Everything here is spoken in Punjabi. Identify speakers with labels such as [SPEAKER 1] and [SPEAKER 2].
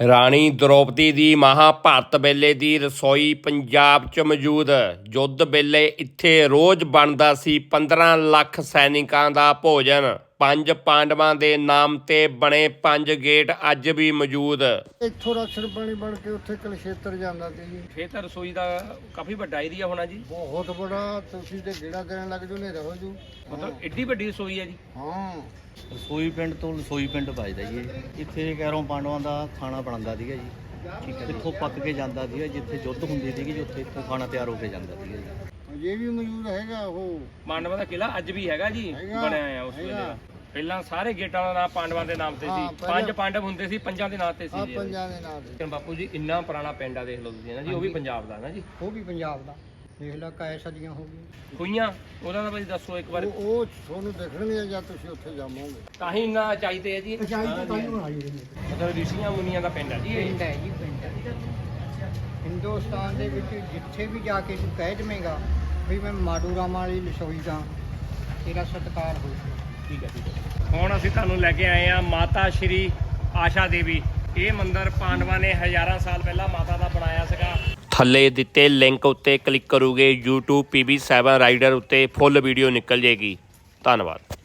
[SPEAKER 1] ਰਾਣੀ ਦ੍ਰੋਪਦੀ ਦੀ ਮਹਾਭਾਰਤ ਵੇਲੇ ਦੀ ਰਸੋਈ ਪੰਜਾਬ 'ਚ ਮੌਜੂਦ। ਯੁੱਧ ਵੇਲੇ ਇੱਥੇ ਰੋਜ਼ ਬਣਦਾ ਸੀ 15 ਲੱਖ ਸੈਨਿਕਾਂ ਦਾ ਭੋਜਨ। 5 ਪਾਂਡਵਾਂ ਦੇ ਨਾਮ ਤੇ ਬਣੇ 5 ਗੇਟ ਅੱਜ ਵੀ ਮੌਜੂਦ।
[SPEAKER 2] ਇੱਥੋਂ ਰਾਸ਼ਨ ਪਾਣੀ ਬਣ ਕੇ ਉੱਥੇ ਕੁਲਸ਼ੇਤਰ ਜਾਂਦਾ ਸੀ ਜੀ।
[SPEAKER 1] ਫੇਰ ਤਾਂ ਰਸੋਈ ਦਾ ਕਾਫੀ ਵੱਡਾ ਏਰੀਆ ਹੋਣਾ ਜੀ।
[SPEAKER 2] ਬਹੁਤ ਬੜਾ, ਤੁਸੀਂ ਤੇ ਗੇੜਾ ਦੇਣ ਲੱਗ ਜਾਓ ਹਨੇਰਾ ਹੋ ਜੂ।
[SPEAKER 1] ਮਤਲਬ ਏਡੀ ਵੱਡੀ ਰਸੋਈ ਹੈ ਜੀ।
[SPEAKER 2] ਹਾਂ,
[SPEAKER 3] ਰਸੋਈ ਪਿੰਡ ਤੋਂ ਰਸੋਈ ਪਿੰਡ ਵੱਜਦਾ ਜੀ ਇਹ। ਇੱਥੇ ਕੈਰੋਂ ਪਾਂਡਵਾਂ ਦਾ ਖਾਣਾ ਬਣਦਾ ਸੀਗਾ ਜੀ। ਠੀਕ ਹੈ, ਇੱਥੋਂ ਪੱਕ ਕੇ ਜਾਂਦਾ ਸੀਗਾ, ਜਿੱਥੇ ਯੁੱਧ ਹੁੰਦੀ ਸੀਗੀ ਉੱਥੇ ਇੱਥੋਂ ਖਾਣਾ ਤਿਆਰ ਹੋ ਕੇ ਜਾਂਦਾ ਸੀਗਾ ਜੀ।
[SPEAKER 2] ਇਹ ਵੀ ਮੌਜੂਦ ਹੈਗਾ ਉਹ
[SPEAKER 1] ਪਾਂਡਵਾਂ ਦਾ ਕਿਲਾ ਅੱਜ ਵੀ ਹੈਗਾ ਜੀ, ਬਣਿਆ ਆ ਉਸ ਵੇਲੇ ਦਾ। ਪਹਿਲਾਂ ਸਾਰੇ ਗੇਟਾਂ ਦਾ ਨਾਮ ਪਾਂਡਵਾਂ ਦੇ ਨਾਮ ਤੇ ਸੀ। 5 ਪਾਂਡਵ ਹੁੰਦੇ ਸੀ, 5 ਦੇ ਨਾਂ ਤੇ ਸੀ ਜੀ।
[SPEAKER 2] ਪੰਜਾਂ ਦੇ ਨਾਂ ਤੇ।
[SPEAKER 1] ਬਾਪੂ ਜੀ ਇੰਨਾ ਪੁਰਾਣਾ ਪਿੰਡ ਆ, ਦੇਖ ਲਓ ਤੁਸੀਂ ਨਾ ਜੀ। ਉਹ ਵੀ ਪੰਜਾਬ ਦਾ ਨਾ ਜੀ।
[SPEAKER 2] ਉਹ ਵੀ ਪੰਜਾਬ ਦਾ। ਦੇਖ ਲਾ ਕਾਇ ਸਦੀਆਂ ਹੋ ਗਈਆਂ
[SPEAKER 1] ਖੂਹੀਆਂ ਉਹਦਾ ਤਾਂ ਬਈ ਦੱਸੋ ਇੱਕ ਵਾਰ।
[SPEAKER 2] ਉਹ ਤੁਹਾਨੂੰ ਦੇਖਣਗੇ ਜਾਂ ਤੁਸੀਂ ਉੱਥੇ ਜਾਵੋਗੇ।
[SPEAKER 1] ਤਾਂ ਹੀ ਇੰਨਾ ਚਾਹੀਦੇ ਆ ਜੀ। ਮਤਲਬ ਰਿਸ਼ੀਆਂ ਮੁਨੀਆਂ ਦਾ ਪਿੰਡ ਆ ਜੀ ਇਹ।
[SPEAKER 2] ਪਿੰਡ ਹੈ ਜੀ, ਪਿੰਡ ਹੈ। ਹਿੰਦੁਸਤਾਨ ਦੇ ਵਿੱਚ ਜਿੱਥੇ ਵੀ ਜਾ ਕੇ ਤੂੰ ਕਹਿ ਦੇਵੇਂਗਾ ਵੀ ਮੈਂ ਮਾਡੂ ਰਾਮਾ ਵਾਲੀ ਰਸੋਈ ਦਾ, ਤੇਰਾ ਸਤਿਕਾਰ ਹੋਊਗਾ।
[SPEAKER 1] ਠੀਕ ਹੈ, ਠੀਕ ਹੈ। ਹੁਣ ਅਸੀਂ ਤੁਹਾਨੂੰ ਲੈ ਕੇ ਆਏ ਆ ਮਾਤਾ ਸ਼੍ਰੀ ਆਸ਼ਾ ਦੇਵੀ। ਇਹ ਮੰਦਿਰ ਪਾਂਡਵਾਂ ਨੇ ਹਜ਼ਾਰਾਂ ਸਾਲ ਪਹਿਲਾਂ ਮਾਤਾ ਦਾ ਬਣਾਇਆ ਸੀਗਾ। ਥੱਲੇ ਦਿੱਤੇ ਲਿੰਕ ਉੱਤੇ ਕਲਿੱਕ ਕਰੋਗੇ YouTube PB7 ਰਾਈਡਰ ਉੱਤੇ ਫੁੱਲ ਵੀਡੀਓ ਨਿਕਲ ਜੇਗੀ। ਧੰਨਵਾਦ।